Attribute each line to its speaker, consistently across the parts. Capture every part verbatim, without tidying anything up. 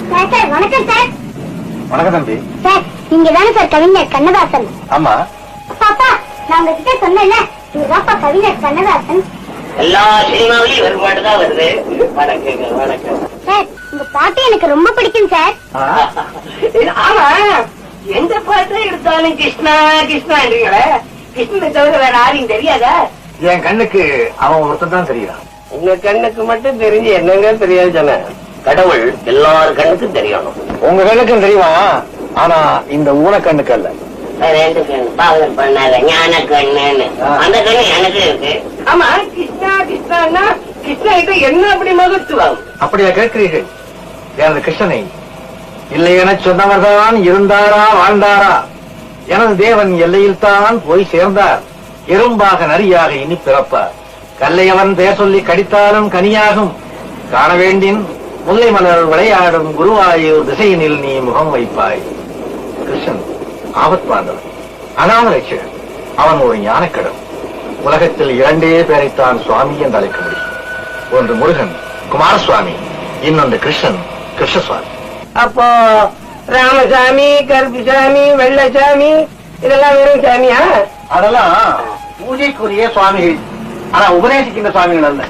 Speaker 1: வணக்கம் சார்.
Speaker 2: வணக்கம் தம்பி.
Speaker 1: சார் நீங்க தானே சார் கவிஞர் கண்ணதாசன்?
Speaker 2: ஆமா.
Speaker 1: பாப்பா நான் உங்ககிட்ட சொன்னேன்ல, இதுதான்ப்பா கவிஞர் கண்ணதாசன்.
Speaker 3: எல்லா சினிமாவிலையும் ஒரு பாட்டு தான் வருது. வணக்கம் வணக்கம்
Speaker 1: சார். உங்க பாட்டு எனக்கு ரொம்ப பிடிக்கும் சார்.
Speaker 3: ஆமா, எந்த பாட்டு எடுத்தாலும் கிருஷ்ணா கிருஷ்ணான்றீங்களே, கிருஷ்ணனை தவிர வேற யாரையும் தெரியாதா?
Speaker 2: என் கண்ணுக்கு அவன் ஒருத்தன் தான் தெரியுறான்.
Speaker 3: உங்க கண்ணுக்கு மட்டும் தெரிஞ்சு என்னங்க தெரியாது சொன்ன? கடவுள் எல்லாரும் கண்ணுக்கும் தெரியணும்.
Speaker 2: உங்க கண்ணுக்கும் தெரியுவான், ஆனா இந்த ஊன கண்ணுக்கு அல்ல.
Speaker 3: ரெண்டு கண்ணு பாவம் பண்ணாத ஞான கண்ணுன்னு அந்த கண்ணு எனக்கு இருக்கு. ஆமா, கிருஷ்ணா கிருஷ்ணா கிருஷ்ணா கிட்ட என்ன அப்படி மகத்துவம்?
Speaker 2: அப்படியா கேட்கிறீர்கள்? எனது கிருஷ்ணனை இல்லை என சொன்னவர்தான் இருந்தாரா வாழ்ந்தாரா? எனது தேவன் எல்லையில் தான் போய் சேர்ந்தார். எறும்பாக நரியாக இனி பிறப்பார். கல்லையவன் பெயர் சொல்லி கடித்தாலும் கனியாகும். காண வேண்டின் முல்லை மலர் விளையாடும் குருவாயூர் திசையினில் நீ முகம் வைப்பாய். கிருஷ்ணன் ஆபத்வாந்தவன், அனாத ரட்சகன். அவன் ஒரு ஞானக்கடன். உலகத்தில் இரண்டே பேரைத்தான் சுவாமி என்று அழைக்க முடியும். ஒன்று முருகன் குமாரசுவாமி, இன்னொன்று கிருஷ்ணன் கிருஷ்ணசுவாமி.
Speaker 3: அப்போ ராமசாமி, கருப்புசாமி, வெள்ளசாமி இதெல்லாம் வெறும் சாமியா?
Speaker 2: அதெல்லாம் பூஜைக்குரிய சுவாமிகள், ஆனா உபதேசிக்கின்ற சுவாமிகள் அல்ல.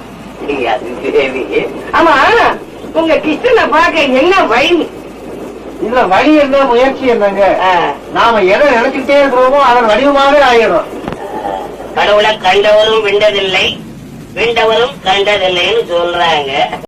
Speaker 3: ஆமா, உங்க கிருஷ்ணனை பார்க்க என்ன வழி?
Speaker 2: இதுல வழி என்ன, முயற்சி என்னங்க? நாம எதை நினைச்சுட்டே இருக்கிறோமோ அதன் வடிவமாவே ஆயிடும்.
Speaker 3: கடவுளை கண்டவரும் விண்டதில்லை, விண்டவரும் கண்டதில்லைன்னு சொல்றாங்க.